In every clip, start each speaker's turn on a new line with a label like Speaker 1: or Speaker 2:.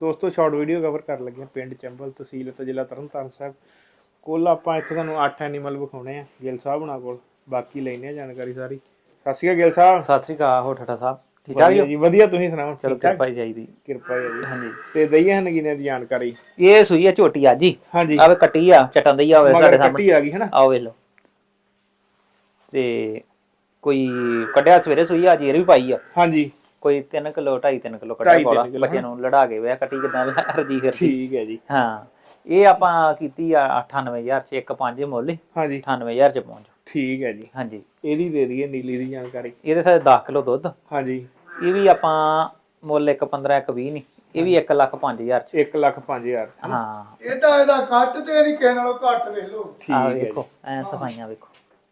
Speaker 1: ਦੋਸਤੋ short video cover ਕਰ ਲੱਗੇ ਪਿੰਡ ਚੰਬਲ ਤਹਿਸੀਲ ਤੇ ਜ਼ਿਲ੍ਹਾ ਤਰਨਤਾਰਨ ਸਾਹਿਬ ਕੋਲ ਆਪਾਂ ਇੱਥੇ ਤੁਹਾਨੂੰ 8 ਐਨੀਮਲ ਵਿਖਾਉਣੇ ਆ ਗਿੱਲ ਸਾਹਿਬ ਹੁਣਾਂ ਕੋਲ ਬਾਕੀ ਲੈਣੇ ਆ ਜਾਣਕਾਰੀ ਸਾਰੀ। ਸਤਿ ਸ਼੍ਰੀ ਅਕਾਲ ਗਿੱਲ ਸਾਹਿਬ।
Speaker 2: ਸਤਿ ਸ਼੍ਰੀ ਅਕਾਲ। ਹੋ ਠਾਠਾ ਸਾਹਿਬ ਠੀਕ ਠਾਕ
Speaker 1: ਜੀ? ਵਧੀਆ ਤੁਸੀਂ ਸੁਣਾਓ?
Speaker 2: ਚਲੋ ਕਿਰਪਾ ਹੀ ਚਾਹੀਦੀ।
Speaker 1: ਕਿਰਪਾ ਹੈ ਜੀ।
Speaker 2: ਹਾਂਜੀ
Speaker 1: ਤੇ ਦਈਏ ਨਗੀਨੇ ਦੀ ਜਾਣਕਾਰੀ।
Speaker 2: ਇਹ ਸੂਈ ਆ ਝੋਟੀ ਅੱਜ ਹੀ।
Speaker 1: ਹਾਂਜੀ
Speaker 2: ਆਵੇ ਕੱਟੀ ਆ ਚਟਨ ਦਈ ਆਵੇ ਸਾਡੇ ਸਾਹਮਣੇ
Speaker 1: ਕੱਟੀ ਆ ਗਈ ਹੈ ਨਾ।
Speaker 2: ਆਓ ਵੇਖ ਲਓ ਤੇ ਕੋਈ ਕੱਢਿਆ ਸਵੇਰੇ ਸੂਈ ਆ ਜੀਰ ਵੀ ਪਾਈ ਆ।
Speaker 1: ਹਾਂਜੀ
Speaker 2: ਕੋਈ 3 ਕਿਲੋ 2.5 3 ਕਿਲੋ ਕੱਢਿਆ ਕੋਲਾ ਬੱਚੇ ਨੂੰ ਲੜਾ ਕੇ ਵੇ ਕੱਟੀ ਕਿਦਾਂ ਰਜੀ ਕਰਦੀ।
Speaker 1: ਠੀਕ ਹੈ ਜੀ।
Speaker 2: ਹਾਂ ਇਹ ਆਪਾਂ ਕੀਤੀ ਆ 98000 ਚ 1.5 ਮੁੱਲ।
Speaker 1: ਹਾਂਜੀ
Speaker 2: 98000 ਚ ਪਹੁੰਚ।
Speaker 1: ਠੀਕ ਹੈ ਜੀ।
Speaker 2: ਹਾਂਜੀ
Speaker 1: ਇਹਦੀ ਦੇ ਦਈਏ ਨੀਲੀ ਦੀ ਜਾਣਕਾਰੀ।
Speaker 2: ਇਹਦੇ ਸਾਰੇ 10 ਕਿਲੋ ਦੁੱਧ।
Speaker 1: ਹਾਂਜੀ
Speaker 2: ਇਹ ਵੀ ਆਪਾਂ ਮੁੱਲ 1.15 1.20 ਨਹੀਂ ਇਹ ਵੀ 1,05,000 ਚ
Speaker 1: 1,05,000।
Speaker 2: ਹਾਂ
Speaker 3: ਇਹਦਾ ਕੱਟ ਤੇ ਨਹੀਂ ਕਿਸੇ ਨਾਲੋਂ ਘੱਟ ਵੇਖ ਲਓ।
Speaker 1: ਠੀਕ ਹੈ
Speaker 2: ਵੇਖੋ ਐ ਸਫਾਈਆਂ ਵੇਖੋ।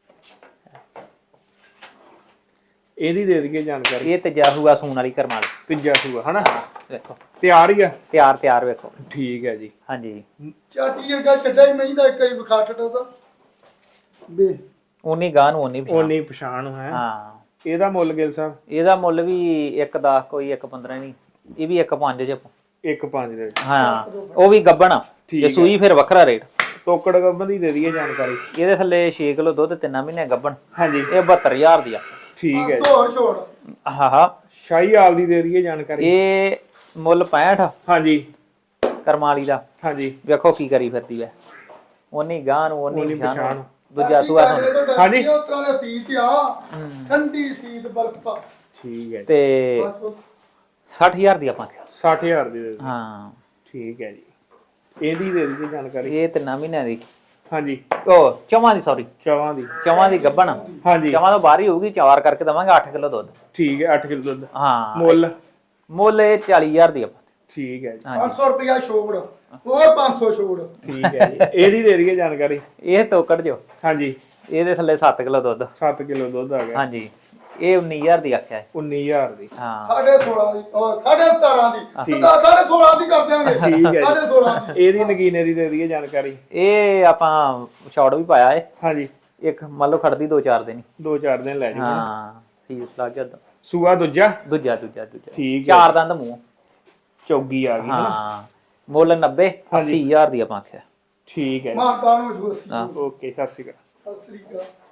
Speaker 1: ਇਹਦੀ ਦੇ ਦਈਏ ਜਾਣਕਾਰੀ।
Speaker 2: ਇਹ ਤੀਜਾ ਸੂਆ ਸੂਣ ਵਾਲੀ ਕਰਮਾਲ
Speaker 1: ਤੀਜਾ ਸੂਆ ਹਨਾ।
Speaker 2: ਵੇਖੋ
Speaker 1: ਤਿਆਰ ਹੀ ਆ।
Speaker 2: ਤਿਆਰ ਵੇਖੋ।
Speaker 1: ਠੀਕ ਹੈ ਜੀ।
Speaker 2: ਹਾਂਜੀ
Speaker 3: ਚਾਟੀ ਵਰਗਾ ਚੱਡਾ ਹੀ ਮਹੀਂ ਦਾ ਇੱਕ ਵਾਰੀ ਵਿਖਾ ਟਟਾ ਸਾ ਬੇ
Speaker 2: ਉਨੀ ਗਾਂ ਨੂੰ ਉਨੀ ਪਛਾਣ।
Speaker 1: ਉਨੀ ਪਛਾਣ ਹੈ।
Speaker 2: ਹਾਂ
Speaker 1: ਇਹਦਾ ਮੁੱਲ ਗਿੱਲ ਸਾਹਿਬ?
Speaker 2: ਇਹਦਾ ਮੁੱਲ ਵੀ 1.10 ਕੋਈ 1.15 ਨਹੀਂ ਇਹ ਵੀ 1.5 ਚ
Speaker 1: 1,5 ਦੇ ਵਿੱਚ।
Speaker 2: ਹਾਂ ਉਹ ਵੀ ਗੱਬਣ ਆ ਜੇ ਸੂਈ ਫਿਰ ਵੱਖਰਾ ਰੇਟ।
Speaker 1: ਤੋਕੜ ਗੱਬਨ ਦੀ ਦੇ ਦਈਏ ਜਾਣਕਾਰੀ।
Speaker 2: ਇਹਦੇ ਥੱਲੇ 6 ਕਿਲੋ ਦੁੱਧ 3 ਮਹੀਨੇ ਗੱਬਣ।
Speaker 1: ਹਾਂਜੀ
Speaker 2: ਇਹ 72000 ਦੀ ਆ।
Speaker 1: ਠੀਕ ਹੈ ਜੀ।
Speaker 3: ਛੋੜ ਛੋੜ
Speaker 2: ਹਾਂ
Speaker 1: ਸ਼ਾਹੀ ਆਲ ਦੀ ਦੇ ਦਈਏ ਜਾਣਕਾਰੀ।
Speaker 2: ਇਹ ਮੁੱਲ 65
Speaker 1: ਹਾਂਜੀ
Speaker 2: ਕਰਮਾਲੀ ਦਾ।
Speaker 1: ਹਾਂਜੀ
Speaker 2: ਵੇਖੋ ਕੀ ਕਰੀ ਫਿਰਦੀ ਐ ਉਨੀ ਗਾਂ ਨੂੰ ਉਨੀ
Speaker 1: ਉਨੀ
Speaker 2: ਪਛਾਣ।
Speaker 1: ਪਛਾਣ।
Speaker 2: ਦੂਜਾ ਸੂਆ ਤੁਹਾਨੂੰ।
Speaker 1: ਹਾਂਜੀ
Speaker 3: ਉਸ ਤਰ੍ਹਾਂ ਦਾ ਸੀਤ ਆ ਠੰਡੀ ਸੀਤ ਬਰਫਾ।
Speaker 1: ਠੀਕ ਹੈ ਜੀ।
Speaker 2: ਤੇ
Speaker 3: ਬਸ
Speaker 2: 60000 ਦੀ ਆਪਾਂ
Speaker 1: 60,000 ਦੀ ਦੇ ਦਿਓ।
Speaker 2: ਹਾਂ
Speaker 1: ਠੀਕ ਹੈ ਜੀ। ਇਹਦੀ ਦੇ ਦਈਏ ਜਾਣਕਾਰੀ।
Speaker 2: ਇਹ 3 ਮਹੀਨਿਆਂ ਦੀ
Speaker 1: ਹਾਂਜੀ
Speaker 2: ਉਹ ਚਵਾਂ ਦੀ ਸੌਰੀ
Speaker 1: ਚਵਾਂ ਦੀ।
Speaker 2: ਚਵਾਂ ਦੀ ਗੱਬਣ।
Speaker 1: ਹਾਂਜੀ
Speaker 2: ਚਵਾਂ ਤੋਂ ਬਾਹਰ ਹੀ ਹੋਊਗੀ ਚਾਰ ਕਰਕੇ ਦਵਾਂਗੇ 8 ਕਿਲੋ ਦੁੱਧ।
Speaker 1: ਠੀਕ ਹੈ 8 ਕਿਲੋ ਦੁੱਧ।
Speaker 2: ਹਾਂ
Speaker 1: ਮੁੱਲ?
Speaker 2: ਮੁੱਲ ਇਹ 40000 ਦੀ ਆਪਾਂ।
Speaker 1: ਠੀਕ ਹੈ ਜੀ।
Speaker 3: 500 ਰੁਪਇਆ ਛੋੜ ਹੋਰ 500 ਛੋੜ।
Speaker 1: ਠੀਕ ਹੈ ਜੀ। ਇਹਦੀ ਦੇ ਦਈਏ ਜਾਣਕਾਰੀ।
Speaker 2: ਇਹ ਤੋਕੜ ਜੋ
Speaker 1: ਹਾਂਜੀ
Speaker 2: ਇਹਦੇ ਥੱਲੇ 7 ਕਿਲੋ ਦੁੱਧ।
Speaker 1: 7 ਕਿਲੋ ਦੁੱਧ ਆ ਗਿਆ।
Speaker 2: ਹਾਂਜੀ ਇਹ 19000 ਦੀ ਆਖਿਆ ਹੈ।
Speaker 1: 19,000 ਦੀ।
Speaker 2: ਹਾਂ
Speaker 3: 16.5 ਦੀ 17.5 ਦੀ
Speaker 1: ਠੀਕ।
Speaker 3: 16.5 ਦੀ ਕਰ ਦਿਆਂਗੇ।
Speaker 1: ਠੀਕ ਹੈ ਜੀ।
Speaker 3: 16.5 ਦੀ
Speaker 1: ਇਹਦੀ ਨਗੀਨੇ ਦੀ ਦੇ ਦਈਏ ਜਾਣਕਾਰੀ।
Speaker 2: ਇਹ ਆਪਾਂ ਸ਼ਾਰਟ ਵੀ ਪਾਇਆ ਏ।
Speaker 1: ਹਾਂਜੀ
Speaker 2: ਇੱਕ ਮੰਨ ਲਓ ਖੜਦੀ 2-4 ਦਿਨ।
Speaker 1: 2-4 ਦਿਨ ਲੈ ਜਾਓ।
Speaker 2: ਹਾਂ ਸੀਸ ਲੱਗ ਗਿਆ
Speaker 1: ਸੂਆ ਦੂਜਾ?
Speaker 2: ਦੂਜਾ
Speaker 1: ਠੀਕ ਹੈ।
Speaker 2: 4 ਦੰਦ ਮੂੰਹ।
Speaker 1: ਚੌਗੀ ਆ ਗਈ।
Speaker 2: ਹਾਂ ਮੁੱਲ 90 80000 ਦੀ ਆਪਾਂ ਆਖਿਆ।
Speaker 1: ਠੀਕ ਹੈ
Speaker 3: ਮਾਤਾ ਨੂੰ ਜੂਸ।
Speaker 2: ਹਾਂ
Speaker 1: ਓਕੇ ਸਤਿ ਸ਼੍ਰੀ ਅਕਾਲ।
Speaker 3: ਸਤਿ ਸ੍ਰੀ ਅਕਾਲ।